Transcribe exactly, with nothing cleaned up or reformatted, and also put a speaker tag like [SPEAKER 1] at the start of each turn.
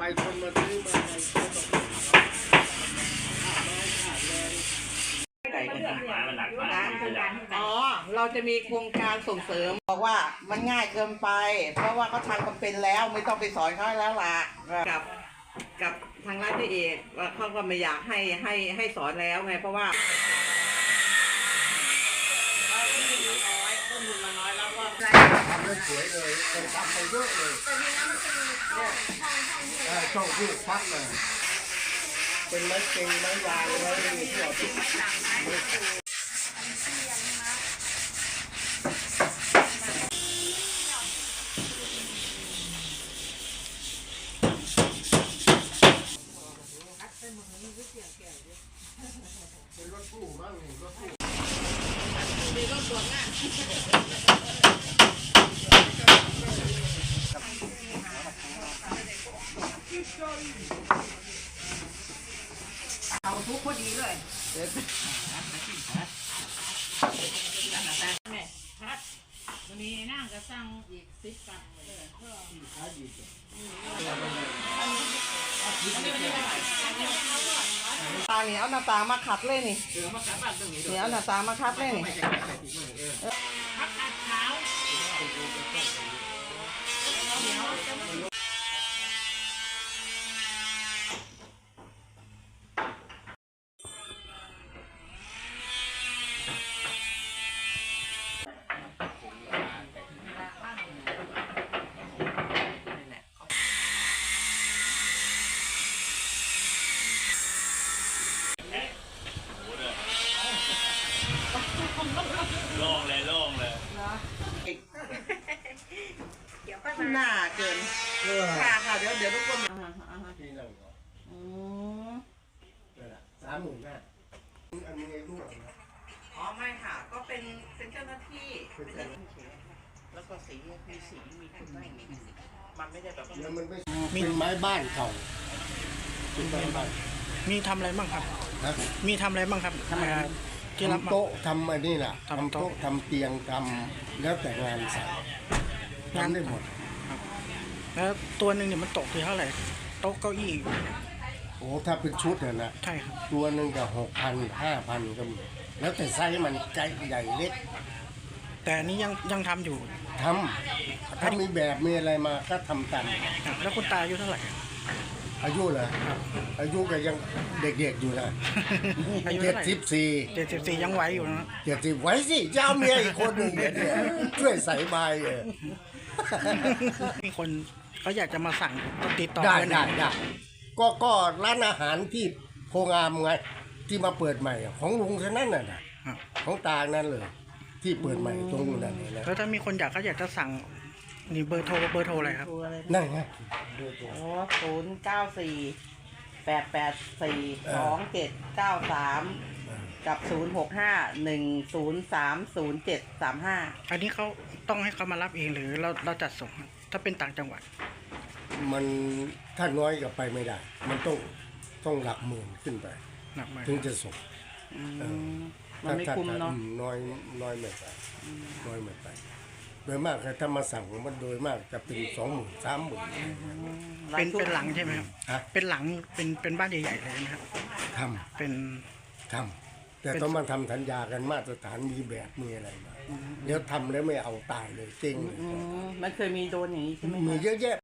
[SPEAKER 1] คนมาซื้อมา
[SPEAKER 2] อ๋อเราจะมีโครงการส่งเสริมบอกว่ามันง่ายเกินไปเพราะว่าเขาทำกันเป็นแล้วไม่ต้องไปสอนเขาแล้วล่ะกับกับทางร้านพี่เอกว่าเขาก็ไม่อยากให้ให้ให้สอนแล้วไงเพราะว่า
[SPEAKER 1] ทำได้สวยเลยคนทำไปเยอะเลยช่องที่พักเลยเป็นไม้เก่งไม้ยางไม้ที่เราติดเป็นรถตู้มั้งนี่รถตู้มีรถส่วนงานเอาทุกพอดีเลยแม่พัดวันนี้นั่งก็สั่งอีกสิบกับเลยเพื่อตาเหนียวหน้าตามาขัดเลยนี่เหนียวหน้าตามาขัดเลยนี่
[SPEAKER 3] โล่งเลยโล่งเลย
[SPEAKER 2] เดี๋ยวก็หน้าเกินค่ะค่ะเดี๋ยวเดี๋ยวทุกคน
[SPEAKER 1] ทีหนึ่งก่อน
[SPEAKER 2] อืม
[SPEAKER 1] สามหมื่นห้าอันนี้ไอ้ลูกนะ
[SPEAKER 2] อ๋อไม่ค่ะก็เป็นเป็นเจ้าหน้าที่แล้วก็สีมีสีมีคุณไม่มันไม่ได้แบบ
[SPEAKER 1] แล้วมันไม่เป็นไม้บ้านเก่าเป็นไม้บ้าน
[SPEAKER 4] มีทำอะไรบ้างครับ
[SPEAKER 1] นะ
[SPEAKER 4] มีทำอะไรบ้างครับทำอะไรที่รับ
[SPEAKER 1] ทำ
[SPEAKER 4] มา
[SPEAKER 1] โต๊ะทำอันนี้แหละ
[SPEAKER 4] ทำ
[SPEAKER 1] ทำ
[SPEAKER 4] โต๊ะ
[SPEAKER 1] โต๊ะทำเตียงทำแล้วแต่งานใส่ทำได้หมด
[SPEAKER 4] แล้วตัวหนึ่งเนี่ยมันตกที่เท่าไหร่โต๊ะเก้าอี้
[SPEAKER 1] โอ้ถ้าเป็นชุดเนี่ยนะ
[SPEAKER 4] ใช่ครับ
[SPEAKER 1] ตัวหนึ่งก็หกพันห้าพันก็มีแล้วแต่ไซส์มันใจใหญ่เล็ก
[SPEAKER 4] แต่อันนี้ยังยังทำอยู่
[SPEAKER 1] ทำถ้ามีแบบมีอะไรมาก็ทำตาม
[SPEAKER 4] ครับแล้วคุณตาอายุเท่าไหร่
[SPEAKER 1] อายุเหรออายุก็ยังเด็กๆอยู่นะ
[SPEAKER 4] อายุ
[SPEAKER 1] เจ็
[SPEAKER 4] เท่า
[SPEAKER 1] ด
[SPEAKER 4] ไหร่
[SPEAKER 1] สิบสี่
[SPEAKER 4] เจ็ดสิบสี่ยังไหวอยู่นะ
[SPEAKER 1] เจ็ดสิบไว้สิเจ้าเมียอีกคนหนึ่งเนี่ยช่วยใส่ใบเออ
[SPEAKER 4] มีคนเขาอยากจะมาสั่งติดต่อ
[SPEAKER 1] ได้
[SPEAKER 4] ปหน
[SPEAKER 1] ได้ได้ก็ก็ร้านอาหารที่โพงามไงที่มาเปิดใหม่อะของลุงท่านั้นน่ะนะครับ ของตานั่นเลย ที่เปิดใหม่ตรงนู้นนั่นเลยนะ
[SPEAKER 4] แล้วถ้ามีคนอยากเขาอยากจะสั่งนี่เบอร์โทรเบอร์โทรอะไรครับ
[SPEAKER 1] นั่นไง
[SPEAKER 2] โอ้ศูนย์เก้าสี่แปดแปดสี่สองเจ็ดเก้าสามกับศูนย์หกห้าหนึ่งศูนย์สามศูนย์เจ็ดสามห้า
[SPEAKER 4] อันนี้เขาต้องให้เขามารับเองหรือเราเราจัดส่งครับถ้าเป็นต่างจังหวัด
[SPEAKER 1] มันถ้าน้อยก็ไปไม่ได้ มันต้องต้องหลักหมื่นขึ้นไป
[SPEAKER 4] หนักไหม
[SPEAKER 1] ถึงจะส่ง
[SPEAKER 2] มันไม่คุ้มเนาะ
[SPEAKER 1] ถ้น้อยน้อยไม่ไปน้อยไม่ไปโดยมากถ้ามาสั่งมันโดยมากจะเป็นสองหมื่นสามหมื่น
[SPEAKER 4] เป็นเป็นหลังใช่ไหมครับ
[SPEAKER 1] ฮะ
[SPEAKER 4] เป็นหลังเป็นเป็นบ้านใหญ่ๆเลยนะครับ
[SPEAKER 1] ท
[SPEAKER 4] เป็น
[SPEAKER 1] ำทำแต่ต้องมาทำสัญญากันมาตรฐานมีแบบมีอะไรมาเดี๋ยวทำแล้วไม่เอาตายเลยจริงเลย
[SPEAKER 2] มันเคยมีโดนอย่างนี้ใช่ไหม
[SPEAKER 1] มีเยอะแยะ